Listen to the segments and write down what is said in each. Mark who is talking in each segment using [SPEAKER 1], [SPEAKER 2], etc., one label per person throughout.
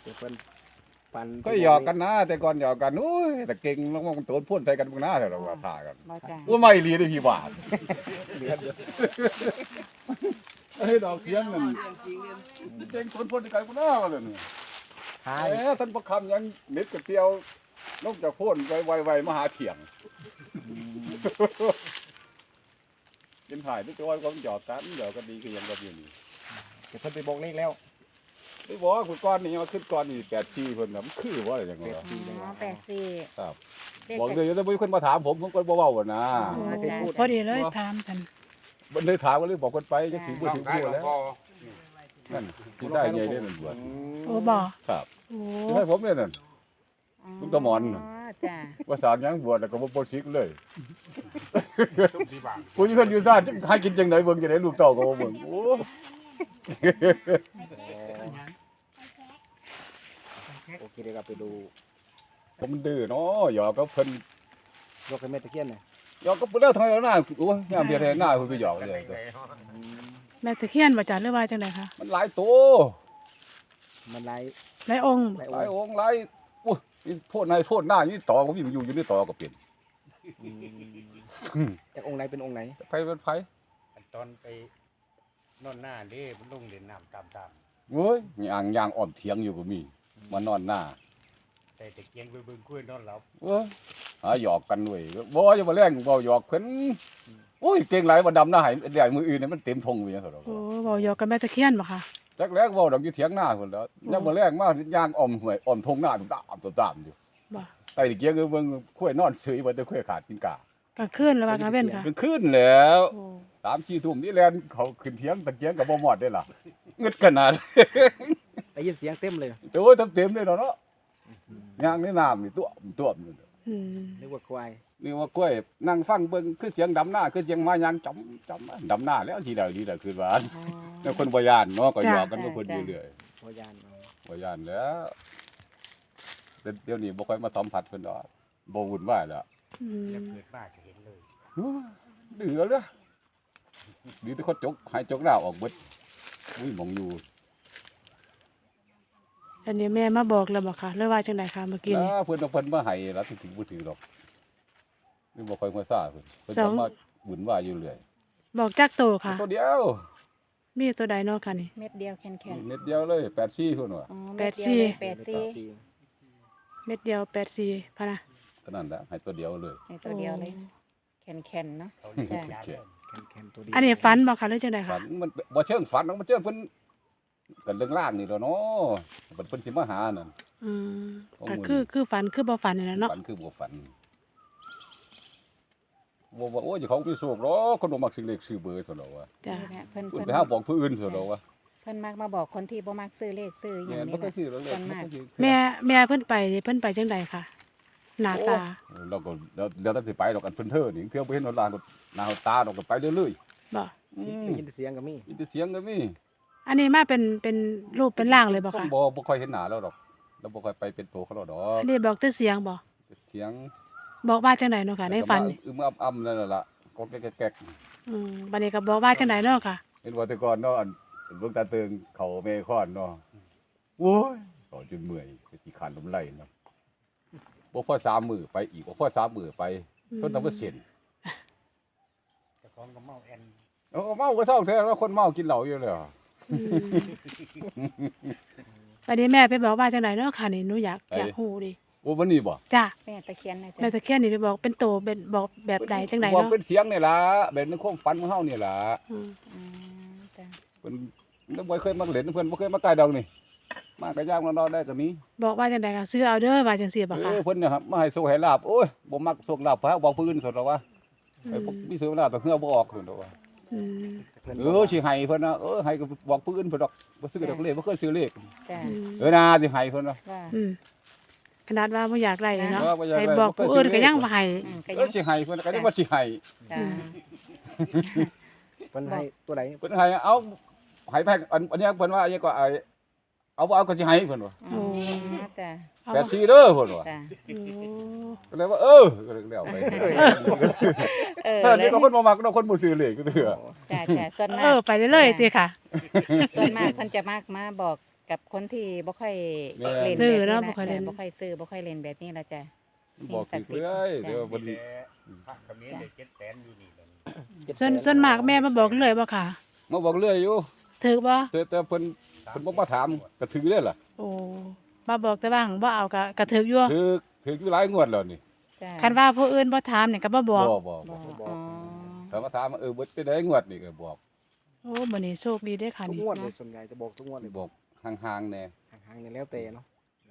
[SPEAKER 1] เดี๋ยวเพิ่นปัน
[SPEAKER 2] ก็หยอกกันนะแต่ก่อนหยอกกันอุ้ยแต่เก่งแล้วมันโตนพ่นใส่กันพวกหน้าแต่เราว่าท่ากัน
[SPEAKER 3] บ่จ้ะ
[SPEAKER 2] ว่าไม่รีได้พี่บาท
[SPEAKER 1] เหลือเดี๋ยว
[SPEAKER 2] เฮ้ยดอกเสียงนั่นเก่งโตนพ่นใส่กันพวกหน้ากันเลยนี่
[SPEAKER 1] หาย
[SPEAKER 2] ท่านประคำยังเม็ดกระเตียวนกจากโพ่นไวๆมาหาเถียงกินถ่ายด้วยตัวก็หยอกกันหยอกกันดีก็ยังก็อยู่นี่
[SPEAKER 1] เดี๋ยวเพิ่นไปบอกเลขแล้ว
[SPEAKER 2] ไม่บอกว่าคุณก้อนนี่มาขึ้นก้อนนี่8 4เพิ่นน่ะมันคือว่าอะไรอย่างเงี้ย
[SPEAKER 3] อ๋อ84
[SPEAKER 2] ครับ
[SPEAKER 3] เลข
[SPEAKER 2] บอกเลยจะมีคนมาถามผมก็บ่เว้าว่านะ
[SPEAKER 4] พอดีเลยถามสัน
[SPEAKER 2] มันเลยถามว่าเลยบอกคนไปจะถึงบ่ถึงตัวแล้วนั่นที่ได้ใหญ่ได้มันบวช
[SPEAKER 4] โอ้บ่
[SPEAKER 2] ครับ
[SPEAKER 4] โอ้
[SPEAKER 2] ให้ผมเนี่ยนั่น ลูกตะหมอน
[SPEAKER 3] อ๋อจ้ะ
[SPEAKER 2] ว่าสารยังบวชแล้วก็บ่บ่สิกเลยผู้ที่เพิ่นอยู่ซ่านให้กินจังไดเบิ่งจังไดลูกเต้าก็บ่เบิ่งโอ้
[SPEAKER 1] โอเคเดี๋ยวเราไปดู
[SPEAKER 2] ผมมันดื้อเนาะหยอกกับเพิ่น
[SPEAKER 1] ยกให้แม่ตะเคียนหน่อย
[SPEAKER 2] หยอกกับเพิ่นแล้วทำไมแล้วหน้าโอ้ยยามเดียวแทนหน้าเพิ่นไปหยอกเลย
[SPEAKER 4] แม่ตะเคียนบ่จ้ะหรือว่าจังไดคะ
[SPEAKER 2] มันหลายโต
[SPEAKER 1] มันไล่
[SPEAKER 4] หลายองค์
[SPEAKER 1] ไล่
[SPEAKER 2] หลายองค์หลายโอ้ยนี่โทษนายโทษหน้าอยู่ต่อก็มีอยู่ในต่อก็เป็น
[SPEAKER 1] จากองค์ไหนเป็นองค์ไหน
[SPEAKER 2] ไผเป็นไผ
[SPEAKER 5] ตอนไปนอนหน้าเด้มันลงเล่นน้ำตาม
[SPEAKER 2] โอ้ยย่างอ้อมเถียงอยู่ก็มีมานอนหน้า
[SPEAKER 5] ๆแต่ตะเกียงไปเบิ่งคุยนอนหลับ
[SPEAKER 2] โอ้ยหาหยอกกันด้วยบ่จะมาแรงบ่หยอกเพิ่นโอ้ยเก่งหลายบ่ดำหน้าให้ใหญ่มืออื่นนี่มันเต็มทงอยู่จังซั่นดอก
[SPEAKER 4] โอ้เว้าหยอกกับแม่ตะเคียนบ่คะ
[SPEAKER 2] จักแรกเว้าดอกอยู่เถียงหน้าพุ่นแล้วยามมื้อแรงมาย่างอ้อมห้วยอ้อมทงหน้าตุ้มตามอยู่
[SPEAKER 4] บ่
[SPEAKER 2] ไอ้เกียงก็เบิ่งค่อยนอนเฉยบ่แต่ค่อยขาดกินกาก
[SPEAKER 4] ลางคืนหรือว่ากลางเว้นค่ะ
[SPEAKER 2] เป็นคืนแล้ว
[SPEAKER 4] โอ้
[SPEAKER 2] 3-4 ทุ่มนี่แลนเขาขึ้นเถียงตะเกียงก็บ่หมอดได้ล่ะงึดขนาด
[SPEAKER 1] ได้ยินเสียงเต็มเลย
[SPEAKER 2] โอ้ยเต็มๆเลยเนาะย่างในน้ำนี่ตัวมนี่
[SPEAKER 4] อืม
[SPEAKER 1] นึกว่าควาย
[SPEAKER 2] นี่ว่ากล้วยนั่งฟังเบิ่งคือเสียงดำหน้าคือเสียงมายางจำดำหน้าแล้วทีใดคือว่า
[SPEAKER 3] อ๋อ
[SPEAKER 2] แล้วคนบ่ย่านเนาะก็หยอกกันกับคนเรื่อย
[SPEAKER 1] พยานเอา
[SPEAKER 2] ๆบ่ย่านแล้วแต่เดี๋ยวนี้บ่ค่อยมาสัมผัสเพิ่นดอกบ่วุ่นวายแล้ว
[SPEAKER 4] อื
[SPEAKER 5] แล้ว
[SPEAKER 4] ม
[SPEAKER 5] เกิดมาก็เห็นเลย
[SPEAKER 2] ดื้อแล้วเด้อดีแต่คนจกหายจกดาวออกเบิดอุ้ยหมองอยู่
[SPEAKER 4] อันนี้แม่มาบอกแล้วบ่คะหรือว่าจังไดคะเมื่อกี้นี้
[SPEAKER 2] เพิ่นเอาเพิ่นมาให้แล้วถึงบ่ถือหรอกนี่บ่ค่อยมาซ่าเพิ่นจะมาวุ่นวายอยู่เรื่อย
[SPEAKER 4] บอกจักโตค่ะ
[SPEAKER 2] ตัวเดียว
[SPEAKER 4] มีตัวใดเนาะค่ะนี่
[SPEAKER 3] เม็ดเดียวแข็ง
[SPEAKER 2] เม็ดเดียวเลย84เพิ่นว่า
[SPEAKER 3] ๆอ๋อ
[SPEAKER 4] แป
[SPEAKER 3] เม็
[SPEAKER 4] ด
[SPEAKER 3] ดเดียว
[SPEAKER 4] สี่
[SPEAKER 3] เลย
[SPEAKER 1] เดี๋ยว
[SPEAKER 3] 84
[SPEAKER 4] เม็ดเดียว84พะนะ
[SPEAKER 2] เท่านั้นแหละให้ตัวเดียวเลย
[SPEAKER 3] ในตัวเดียวเลยแข็งๆเนาะ
[SPEAKER 5] เขาเรียก
[SPEAKER 3] จ้ะ
[SPEAKER 5] ยาเริ่ม
[SPEAKER 1] แคนตัวดี
[SPEAKER 4] อันนี้ฝันบ่คะหรือจังได
[SPEAKER 2] ฝั
[SPEAKER 4] คะ
[SPEAKER 2] นมันบ่เชิงฝันหรอกมันเชิงเพิ่นกันเรื่องล่างนี่แหล้วเนาะเพิ่นสิมาหานั่น
[SPEAKER 4] อืม
[SPEAKER 2] ของ
[SPEAKER 4] ก็
[SPEAKER 2] มื้อ
[SPEAKER 4] คือฝันคือบ่ฝันนี่แหละเนาะ
[SPEAKER 2] ฝันคือบ่ฝันบ่ว่าโอ้ยเจ้าของมีโชคหรอกคนบ่มักซื้อเลขซื้อเบอร์ซั่นดอกว่า
[SPEAKER 4] จ้ะ
[SPEAKER 3] นี่แหละเพิ่น
[SPEAKER 2] เพิ่น
[SPEAKER 3] เพิ่น
[SPEAKER 2] ไปหาบอกผู้อื่นซั่นดอกว่า
[SPEAKER 3] เพิ่นมักมาบอกคนที่บ่มักซื้อเลขซื้ออห
[SPEAKER 2] แม่
[SPEAKER 3] ย่าง
[SPEAKER 2] น
[SPEAKER 3] นี้
[SPEAKER 2] บ่เคยซื้อหรอกเลข
[SPEAKER 3] ส่วนมาก
[SPEAKER 4] แม่เพิ่นไปนี่เพิ่นไปจังไดคะหน้าตา
[SPEAKER 2] เราก็แล้วแต่สิไปดอกกันเพิ่นเท้อนี่เพียงบ่เห็นหน้าก็หน้าตาดอกก็ไปเรื่อย
[SPEAKER 4] บ่
[SPEAKER 2] ๆอืม
[SPEAKER 1] ได้ยินเสียงก็มี
[SPEAKER 2] มีแต่เสียงก็มี
[SPEAKER 4] อันนี้มาเป็นรูปเป็นร่างเลยบ่
[SPEAKER 2] คน
[SPEAKER 4] คะ
[SPEAKER 2] บ่ค่อยเห็นหน้าแล้วดอกแล้วบ่ค่อยไปเป็นตัวเขาแล้วดอก
[SPEAKER 4] อันนี้บอกแต่เสียงบ่
[SPEAKER 2] เสียง
[SPEAKER 4] บอกว่าจังไดเนาะค่ะในฝันนี่
[SPEAKER 2] อึมอ้ำๆนั่นล่ะก็แก๊กๆ
[SPEAKER 4] อืมบัดนี้ก็บอกว่าจังไดเนาะค่ะ
[SPEAKER 2] เห็นว่าแต่ก่อนเนาะอันหลวงตาเติงเขาเมฆอนเนาะโอ้ยเขาจนเมื่อยไปขี้ขานลมไหลเนาะบ่พอ3มื้อไปอีกบ่พอ3มื้อไปจนทำว่าเส้น
[SPEAKER 5] เจ้าของก็เมาแอน
[SPEAKER 2] เอาเมาก็เศร้าแท้แล้วคนเมากินเหล้าอยู่แล้ว
[SPEAKER 4] อืมบัดนี้แม่ไปบอกว่าจังไดเนาะค่ะนี่หนูอยากฮู้ดิ
[SPEAKER 2] โอ้วันนี้บ่
[SPEAKER 4] จ้ะ
[SPEAKER 3] แม่ตะเคียนนะ
[SPEAKER 4] แม่
[SPEAKER 3] จ๊ะ
[SPEAKER 4] ตะเคียนนี่ไปบอกเป็นโตเป็นบอกแบบใดจังได
[SPEAKER 2] บอก
[SPEAKER 4] เนาะ
[SPEAKER 2] เป็นเสียงนี่ล่ะแบบในความฝันของเฮานี่ล่ะ
[SPEAKER 4] อืม
[SPEAKER 3] อืมจ้ะ
[SPEAKER 2] เพิ่นแล้วบ่เคยมาเล่นเพิ่นบ่เคยมาใกล้ดอกนี่มาก็ย่างนอนได้ก็มี
[SPEAKER 4] บอกว่าจังไดค่ะซื้อเอาเด้อว่าจังซี่บ่คะ
[SPEAKER 2] เพิ่นเนี่ยครับมาให้โชคให้ลาบโอ้ยบ่มักโชคลาภพระบอกผู้อื่นซั่นดอกว่าไอ้พวกมีโชคลาภแต่เฮือบ่ออกซั่นดอกว่า
[SPEAKER 4] อืม
[SPEAKER 1] เพิ่น
[SPEAKER 2] สิให้เพิ่นนะให้ก็บอกผู้อื่นเพิ่นดอกบ่ซื้อดอกเลขบ่เคยซื้อเลข
[SPEAKER 3] จ้ะ
[SPEAKER 4] อืม
[SPEAKER 2] นะสิให้เพิ่นว่า
[SPEAKER 3] ว่า
[SPEAKER 4] อืมขนาดว่าบ่อยากได้เลยเนาะ
[SPEAKER 2] บ่อยากได้
[SPEAKER 4] ให้บอกผู้อื่นก็ยังบ่ให้
[SPEAKER 3] ก็
[SPEAKER 2] ก็สิให้เพิ่นก็ยังว่าสิให้
[SPEAKER 3] จ้ะ
[SPEAKER 1] เพิ่นให้ตัวไหน
[SPEAKER 2] เพิ่นให้เอาให้แพงอันนี้เพิ่นว่าอันนี้ก็เอาบ่เอาก็สิให้เพิ่นว่า
[SPEAKER 3] อ๋อจ้ะ
[SPEAKER 4] เอา
[SPEAKER 2] 84เด้อเพิ่นว่า
[SPEAKER 3] จ้ะ
[SPEAKER 4] โอ้
[SPEAKER 2] ก็เลยว่าก็เลยแล้วไป
[SPEAKER 3] เออ
[SPEAKER 2] ถ้า
[SPEAKER 3] เล
[SPEAKER 2] นี่
[SPEAKER 3] ย
[SPEAKER 2] ก็คนบ่มักคนบ่ซื้อเลขก็เถื่อ
[SPEAKER 3] จ้ะจ้ะส่วน
[SPEAKER 4] เอ
[SPEAKER 3] มาก
[SPEAKER 4] อไปเรื่อยๆติค่ะ
[SPEAKER 3] ส่วนมากเพิ่นจะมากมาบอกกับคนที่บ่ค่อย
[SPEAKER 2] แม่
[SPEAKER 3] เล่น
[SPEAKER 4] ซื้อ
[SPEAKER 3] แบบ
[SPEAKER 4] เนาะ
[SPEAKER 3] นี้
[SPEAKER 4] บ่ค่อยเล่น
[SPEAKER 3] บ่ค่อยซื้อบ่ค่อยเล่นแบบนี้ละจ้ะ
[SPEAKER 2] บอกสิเอ้ยเดี๋ยว
[SPEAKER 5] วั
[SPEAKER 2] วัน น
[SPEAKER 5] นี้พระเขมิ้นได้700,000อยู่นี่ตอนนี้
[SPEAKER 4] ส่วนมากแม่มาบอกเลยบ่ค่ะ
[SPEAKER 2] มาบอกเรื่อยอยู่
[SPEAKER 4] ถือบ่
[SPEAKER 2] แต่เพิ่นบ่มาถามก็ถือเด้อล่ะ
[SPEAKER 4] โอ้มาบอกแต่ว่าบ่เอาก็ถืออยู่
[SPEAKER 2] ถืออยู่หลายงวดแล้วนี่
[SPEAKER 3] จ้ะ
[SPEAKER 4] คันว่าผู้อื่นบ่ถามเนี่ยก็บ่บอก
[SPEAKER 2] บ่
[SPEAKER 3] บ่อ๋อ
[SPEAKER 2] ถ้ามาถามว่าเบิดเป็นได้งวดนี่ก็บอก
[SPEAKER 4] โอ้มื้อนี้โชคดีเด้อค่ะ
[SPEAKER 1] ทุก
[SPEAKER 4] นี่
[SPEAKER 1] งวดเลยส่วนใหญ่จะบอกทุกงวดเลย
[SPEAKER 2] บอกห่างๆแน่
[SPEAKER 1] ห่างๆเนี่ยแล้วแต่เนาะ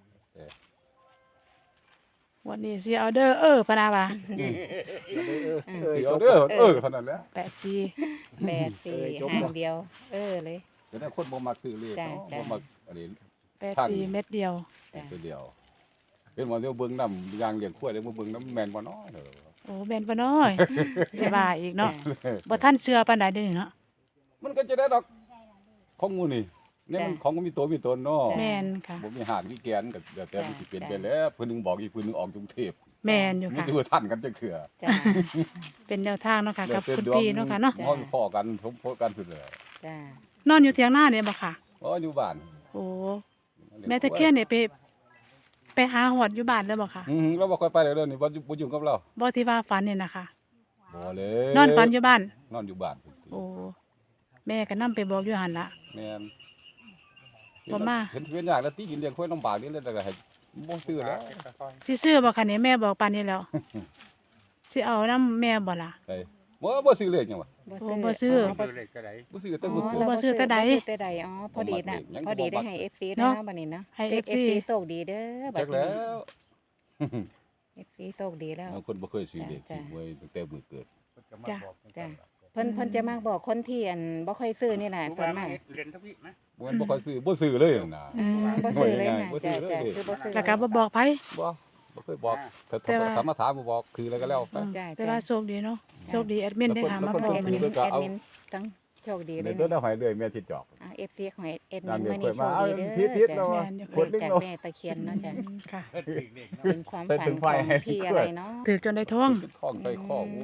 [SPEAKER 4] วันนี้สิเอาเด้อพะนาว่า
[SPEAKER 2] สิเอาเด้อเท่านั้นแหละ
[SPEAKER 4] 84
[SPEAKER 3] 8 4หางเดียว เลย
[SPEAKER 2] จะได้คนบ่มักซื้อเลข
[SPEAKER 3] จ้ะ
[SPEAKER 2] เนาะ
[SPEAKER 3] จ้ะ
[SPEAKER 2] บ่มักอันนี้
[SPEAKER 4] 84เม็ดเดียว
[SPEAKER 3] จ้ะ
[SPEAKER 2] ตัวเดียวเป็นว่าเดี๋ยวเบิ่งนำยางเลี้ยงควายเดี๋ยวมาเบิ่งนำแม่นบ่เนาะเด้อ
[SPEAKER 4] โอ้แม่นบ่น้อยสิว่าอีกเนาะบ่ทันเชื่อปานใดเด้อนี่เนาะ
[SPEAKER 2] มันก็จะได้ดอกของหมู่นี่เนี่ยมันของมีตัวมีตนเนาะ
[SPEAKER 4] แม่นค่ะ
[SPEAKER 2] บ่มีหาดมีแกนก็เดี๋ยวแต่มันสิเปลี่ยนไปแล้วเพิ่นนึงบอกอีกเพิ่นนึงออกกรุงเทพ
[SPEAKER 4] แม่นอยู่
[SPEAKER 2] มัน
[SPEAKER 4] ค่ะ
[SPEAKER 2] สิว่าทันกันจังเทื่อ
[SPEAKER 3] จ้ะ
[SPEAKER 4] เป็นแนวทางเนาะค่ะกับ
[SPEAKER 2] แล้ว
[SPEAKER 4] คุณ
[SPEAKER 2] แต่ดวง
[SPEAKER 4] พี่เนาะค่ะเนาะ
[SPEAKER 2] ฮ้อนข้อกันสมโพธิกันสุดเลย
[SPEAKER 3] จ้ะ
[SPEAKER 4] นอนอยู่เถียงนาเนี่ยบ่ค่ะ
[SPEAKER 2] อ๋ออยู่บ้าน
[SPEAKER 4] โอ้แม่ตะเคียนเนี่ยไปหาหอดอยู่บ้านเลยบ่ค่ะ
[SPEAKER 2] เราบ่ค่อยไปเลยเด้อนี่บ่ยุ่งกับเรา
[SPEAKER 4] บ่ที่ว่าฝันเนี่ยนะคะ
[SPEAKER 2] บ่เลย
[SPEAKER 4] นอนฝันอยู่บ้าน
[SPEAKER 2] นอนอยู่บ้าน
[SPEAKER 4] โอ้แม่ก็นํไปบอกอยู่หั่นล่ะ
[SPEAKER 2] แม่น
[SPEAKER 4] บ่มา
[SPEAKER 2] เห็นเวียนยากแล้วตีกินเลี้ยงควายลำบากนี่เลยแต่ก็ให้บ่ซื้อแล้ว
[SPEAKER 4] สิซื้อบ่คะเนี่ยแม่บอกปานนี้แล้ว สิเอานํแม่บ่ล่ะ
[SPEAKER 2] ไปบ่ซื้อเลยจังวะ
[SPEAKER 4] โอ้บ่ซื้อ
[SPEAKER 5] ซื้อเลขก็ได้
[SPEAKER 2] บ่ซื้อแต่
[SPEAKER 3] อ๋
[SPEAKER 2] บ่
[SPEAKER 3] อ
[SPEAKER 2] ซื้อ
[SPEAKER 3] เรา
[SPEAKER 4] บ่ซื้อแต่ใด
[SPEAKER 3] บ่ซื้อแต่ใดอ๋อพอดีน่ะ
[SPEAKER 2] ยังบ่
[SPEAKER 3] พอดีได้
[SPEAKER 2] บัก
[SPEAKER 3] ให้ FC
[SPEAKER 4] เนาะ
[SPEAKER 3] เนาะบัดนี้เนาะ
[SPEAKER 4] ให้
[SPEAKER 3] FC
[SPEAKER 4] FC
[SPEAKER 3] โชคดีเด้อบั
[SPEAKER 2] จั
[SPEAKER 3] ด
[SPEAKER 2] ก
[SPEAKER 3] นี้
[SPEAKER 2] แล้ว
[SPEAKER 3] FC โชคดีแล้ว
[SPEAKER 2] บางคนบ่เคยซื้อเลข
[SPEAKER 3] จ้ะ
[SPEAKER 2] ซื้อไว้ตั้งแต่มื้อเกิด
[SPEAKER 3] จ้ะ เพิ่นจะมาบอกคนที่บ่ค่อยซื้อนี่แหละส่วนมาก
[SPEAKER 5] เรียนทั้งพี่นะ
[SPEAKER 2] บ่แม่นบ่ค่อยซื้อบ่ซื้อเลยน่ะ
[SPEAKER 3] บ่ซื้อเลยนะ
[SPEAKER 2] บ่ซื้
[SPEAKER 3] จ้ะ
[SPEAKER 2] อเลย
[SPEAKER 3] จ้ะคือบ่ซื้อ
[SPEAKER 4] แล้วก็บ่บอกไผ
[SPEAKER 2] บ่เคยบอกถ้า
[SPEAKER 4] แต่ว่า
[SPEAKER 2] ถ้ามาถามบ่บอกคืออะไรก็แล้วไป
[SPEAKER 3] จ้ะ
[SPEAKER 4] แต่ว่าโชคดีเนาะโชคดีแอดมินได้หามา
[SPEAKER 2] แล้ว
[SPEAKER 4] บ
[SPEAKER 2] ค
[SPEAKER 4] อก
[SPEAKER 2] น
[SPEAKER 4] มื้อ
[SPEAKER 2] เพิ่
[SPEAKER 4] นี้
[SPEAKER 2] นก็เอา
[SPEAKER 3] แอดมินทั้งโชคดีเล
[SPEAKER 2] เดี๋ย
[SPEAKER 3] ยว
[SPEAKER 2] ตัว
[SPEAKER 3] เนาะ
[SPEAKER 2] ได้หอยเลยแม่ที่จอก
[SPEAKER 3] FC ของแอดมิ
[SPEAKER 2] นาง
[SPEAKER 3] น
[SPEAKER 2] เด็ก
[SPEAKER 3] มื้อ
[SPEAKER 2] เค
[SPEAKER 3] นี้
[SPEAKER 2] ย
[SPEAKER 3] โช
[SPEAKER 2] มา
[SPEAKER 3] คดีเด้อ
[SPEAKER 2] ทิศๆ
[SPEAKER 3] จ้ะ
[SPEAKER 2] เนาะ
[SPEAKER 3] เลขจากแม่ตะเคียนเนาะจ้ะ
[SPEAKER 4] ค่ะ
[SPEAKER 5] เด็กเด็ก
[SPEAKER 3] เป็นความ
[SPEAKER 2] ไป
[SPEAKER 3] ฝัน
[SPEAKER 2] ถึง
[SPEAKER 3] ข
[SPEAKER 2] ไฟ
[SPEAKER 3] อง
[SPEAKER 2] ให้
[SPEAKER 3] พี่
[SPEAKER 2] เพื่
[SPEAKER 3] อะไร
[SPEAKER 2] อน
[SPEAKER 3] เนาะ
[SPEAKER 4] ถือจนได้ท่อง
[SPEAKER 2] ท้องใส่ข้อโอ้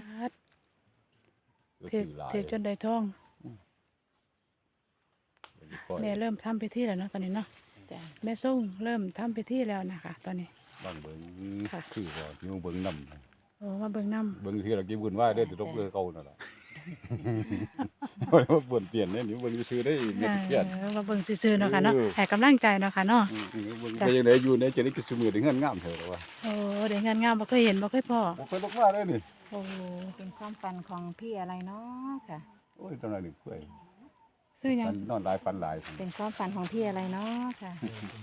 [SPEAKER 4] ถือจนได้ท่อง แม่เริ่มทำพิธีแล้วเนาะตอนนี้เนาะ
[SPEAKER 3] จ้ะ
[SPEAKER 4] แม่ส่งเริ่มทำพิธีแล้วนะคะ ตอนนี้
[SPEAKER 2] บางเบิ่ง
[SPEAKER 4] ค่ะ
[SPEAKER 2] คือว่าอยู่เบิ่งนำ
[SPEAKER 4] โอ้มาเบิ่งน้ำ
[SPEAKER 2] เบิ่งที่เรากินบุญว่าได้อสิตบเลยเก่านั่นล่ะบ่ได้ว่าเปลี่ยนเปลี่ยนเนี่ยนี่เบิ่งซื่อได้เม็ดเครียด
[SPEAKER 4] มาเบิ่งซื่อๆเนาะค่ะเนาะ
[SPEAKER 2] เออ
[SPEAKER 4] ให้กำลังใจเนาะค่ะเนาะ
[SPEAKER 2] เบิ่ง
[SPEAKER 4] จ้ะ
[SPEAKER 2] ไปจังไดอยู่ในจะได้กินซุมื้อได้เงินงามเถอะว่า
[SPEAKER 4] โอ้ได้งานงามบ่เคยเห็นบ่เคยพอ
[SPEAKER 2] บ่เคยบอกว่าเลยนี่
[SPEAKER 4] โอ้
[SPEAKER 3] เป็นความฝันของพี่อะไรเนาะค่ะ
[SPEAKER 2] โอ้ยตอนนั้นนี่เพื่อย
[SPEAKER 4] ซื้อหยัง
[SPEAKER 2] ฟันนอนหลายฟันหลาย
[SPEAKER 3] เป็นความฝันของพี่อะไรเนาะค่ะ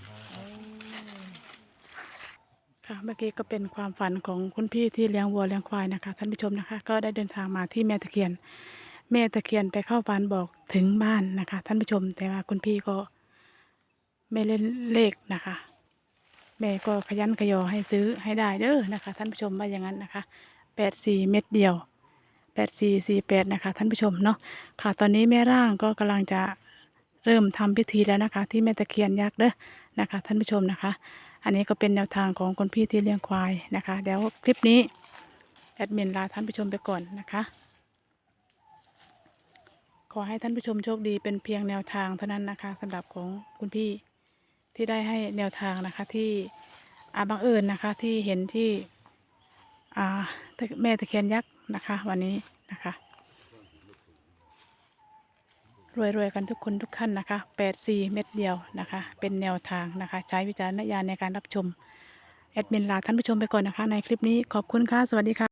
[SPEAKER 4] ค่ะ เมื่อกี้ก็เป็นความฝันของคุณพี่ที่เลี้ยงวัวเลี้ยงควายนะคะท่านผู้ชมนะคะ ก็ได้เดินทางมาที่แม่ตะเคียน แม่ตะเคียนไปเข้าฝันบอกถึงบ้านนะคะ ท่านผู้ชม แต่ว่าคุณพี่ก็ไม่เล่นเลขนะคะ แม่ก็ขยันขยอให้ซื้อให้ได้เด้อนะคะ ท่านผู้ชมว่าอย่างนั้นนะคะ84เม็ดเดียว8448นะคะ ท่านผู้ชมเนาะค่ะ ตอนนี้แม่ร่างก็กำลังจะเริ่มทำพิธีแล้วนะคะ ที่แม่ตะเคียนยักษ์เด้อนะคะ ท่านผู้ชมนะคะ อันนี้ก็เป็นแนวทางของคนพี่ที่เลี้ยงควายนะคะเดี๋ยวคลิปนี้แอดมินลาท่านผู้ชมไปก่อนนะคะ ขอให้ท่านผู้ชมโชคดีเป็นเพียงแนวทางเท่านั้นนะคะสำหรับของคุณพี่ที่ได้ให้แนวทางนะคะที่บังเอิญนะคะที่เห็นที่แม่ตะเคียนยักษ์นะคะ วันนี้นะคะรวยๆกันทุกคนทุกท่านนะคะ84เม็ดเดียวนะคะ เป็นแนวทางนะคะ ใช้วิจารณญาณในการรับชมแอดมินลาท่านผู้ชมไปก่อนนะคะ ในคลิปนี้ขอบคุณค่ะสวัสดีค่ะ